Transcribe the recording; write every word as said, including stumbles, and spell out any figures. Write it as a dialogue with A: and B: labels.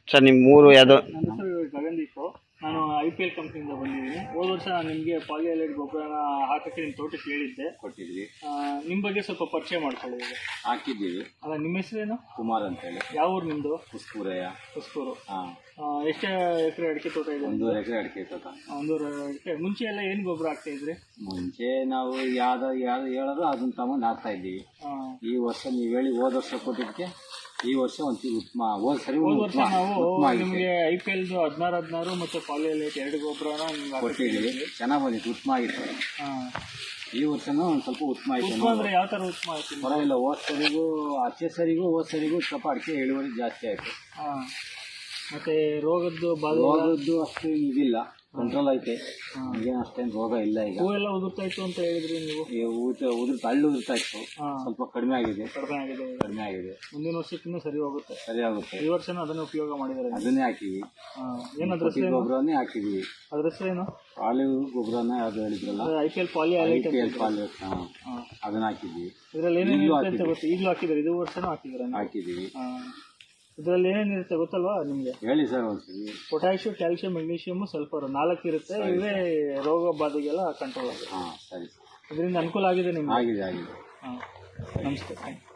A: Sir ನಿಮ್ಮ ಮೂರು ಯಾವುದು?
B: ನನ್ನ ಹೆಸರು ಗಗನ್ದೀಪ್. ನಾನು ಐ ಪಿ ಎಲ್ ಕಂಪ್ನಿಯಿಂದ ಬಂದಿದ್ದೀನಿ. ಹೋದ ವರ್ಷ ನಾನು ನಿಮಗೆ ಪಾಲಿಹೈಲೈಟ್ ಗೊಬ್ಬರನ ಹಾಕೋಕ್ಕೆ ನಿಮ್ಮ ತೋಟಕ್ಕೆ ಹೇಳಿದ್ದೆ,
C: ಕೊಟ್ಟಿದ್ವಿ.
B: ನಿಮ್ಮ ಬಗ್ಗೆ ಸ್ವಲ್ಪ ಪರಿಚಯ ಮಾಡ್ಕೊಳ್ಳಿ. ಈಗ
C: ಹಾಕಿದ್ದೀವಿ.
B: ಅಲ್ಲ, ನಿಮ್ಮ ಹೆಸರೇನು?
C: ಕುಮಾರ್ ಅಂತೇಳಿ.
B: ಯಾವ ಊರು ನಿಮ್ಮದು?
C: ಕುಸ್ಕೂರಯ್ಯ.
B: ಕುಸ್ಕೂರು.
C: ಹಾಂ.
B: ಎಷ್ಟು ಎಕರೆ ಅಡಿಕೆ ತೋಟ ಇದೆ?
C: ಒಂದೂವರೆ ಎಕರೆ ಅಡಿಕೆ ತೋಟ.
B: ಒಂದೂವರೆ ಎಕರೆ. ಮುಂಚೆ ಎಲ್ಲ ಏನು ಗೊಬ್ಬರ ಹಾಕ್ತಾ ಇದ್ರಿ?
C: ಮುಂಚೆ ನಾವು ಯಾವ್ದು ಯಾವ್ದು ಹೇಳೋದು ಅದನ್ನ ತಗೊಂಡು ಹಾಕ್ತಾ ಇದ್ದೀವಿ. ಈ ವರ್ಷ ನೀವು ಹೇಳಿ ಹೋದ ವರ್ಷ ಕೊಟ್ಟಿದ್ದಕ್ಕೆ ಈ ವರ್ಷ ಒಂಚೂರು ಉತ್ತಮ. ಹೋದ ಸರಿ
B: ಹೋದ ವರ್ಷ ನಾವು ನಿಮಗೆ ಐ ಪಿ ಎಲ್ದು ಹದಿನಾರು ಹದಿನಾರು ಮತ್ತು ಪಾಲಿಹೈಲೈಟ್ ಎರಡು ಗೊಬ್ಬರನ ನಿಮ್ಗೆ
C: ಕೊಟ್ಟಿದ್ದೀವಿ. ಚೆನ್ನಾಗಿ ಬಂದಿತ್ತು, ಉತ್ತಮ ಆಗಿತ್ತು.
B: ಹಾಂ.
C: ಈ ವರ್ಷನೂ ಒಂದು ಸ್ವಲ್ಪ ಉತ್ತಮ ಆಯಿತು.
B: ಉತ್ತಮ ಅಂದರೆ ಯಾವ ಥರ ಉತ್ತಮ ಆಯ್ತು?
C: ಪರವಾಗಿಲ್ಲ. ಹೋದ ಸರಿಗೂ ಹಚ್ಚೆ ಸರಿಗೂ ಹೋದ ಸರಿಗೂ ಸ್ವಲ್ಪ ಅಡಿಕೆ ಇಳುವರಿ ಜಾಸ್ತಿ ಆಯಿತು.
B: ಹಾಂ. ಮತ್ತು ರೋಗದ್ದು ಬಾಧೆ?
C: ರೋಗದ್ದು ಅಷ್ಟು ಇದಿಲ್ಲ, ಕಂಟ್ರೋಲ್ ಐತೆ. ಈಗೇನು ಅಷ್ಟೇನು ರೋಗ ಇಲ್ಲ. ಈಗ
B: ಹೂವೆಲ್ಲ ಉದುರ್ತಾ ಇತ್ತು ಅಂತ ಹೇಳಿದ್ರಿ ನೀವು.
C: ಊತ ಉದುರ್ತಾ ಹಳ್ಳು ಉದುರ್ತಾ ಇತ್ತು, ಸ್ವಲ್ಪ ಕಡಿಮೆ ಆಗಿದೆ.
B: ಕಡಿಮೆ ಆಗಿದೆ.
C: ಕಡಿಮೆ ಆಗಿದೆ.
B: ಮುಂದಿನ ವರ್ಷಕ್ಕಿಂತ ಸರಿ ಹೋಗುತ್ತೆ.
C: ಸರಿ ಆಗುತ್ತೆ.
B: ಈ ವರ್ಷನೂ ಅದನ್ನೇ ಉಪಯೋಗ ಮಾಡಿದ್ದಾರೆ.
C: ಅದನ್ನೇ ಹಾಕಿವಿ.
B: ಏನಾದ್ರ
C: ಗೊಬ್ಬರನೇ ಹಾಕಿದ್ವಿ.
B: ಅದ್ರ ಹೆಸರೇನು?
C: ಪಾಲಿ ಗೊಬ್ಬರನ ಯಾವ್ದು ಹೇಳಿದ್ರಲ್ಲ,
B: I P L polyhalite.
C: I P L polyhalite. ಹಾಂ, ಅದನ್ನ ಹಾಕಿದ್ವಿ.
B: ಇದರಲ್ಲಿ ಏನೇನು ಅಂತ ಗೊತ್ತು? ಈಗಲೂ ಹಾಕಿದ್ದಾರೆ, ಇದು ವರ್ಷನೂ ಹಾಕಿದ್ದಾರೆ.
C: ಹಾಕಿದ್ದೀವಿ.
B: ಇದರಲ್ಲಿ ಏನೇನಿರುತ್ತೆ ಗೊತ್ತಲ್ವಾ ನಿಮಗೆ?
C: ಹೇಳಿ ಸರ್ ಒಂದ್ಸರಿ.
B: ಪೊಟ್ಯಾಷಿಯಂ, ಕ್ಯಾಲ್ಸಿಯಂ, ಮೆಗ್ನೀಷಿಯಮ್, ಸಲ್ಫರ್ ನಾಲ್ಕು ಇರುತ್ತೆ. ಇವೇ ರೋಗ ಬಾಧೆಗೆಲ್ಲ ಕಂಟ್ರೋಲ್ ಆಗುತ್ತೆ.
C: ಹಾಂ, ಸರಿ.
B: ಇದರಿಂದ ಅನುಕೂಲ ಆಗಿದೆ ನಿಮ್ಗೆ?
C: ಆಗಿದೆ ಆಗಿದೆ.
B: ಹಾಂ, ನಮಸ್ತೆ.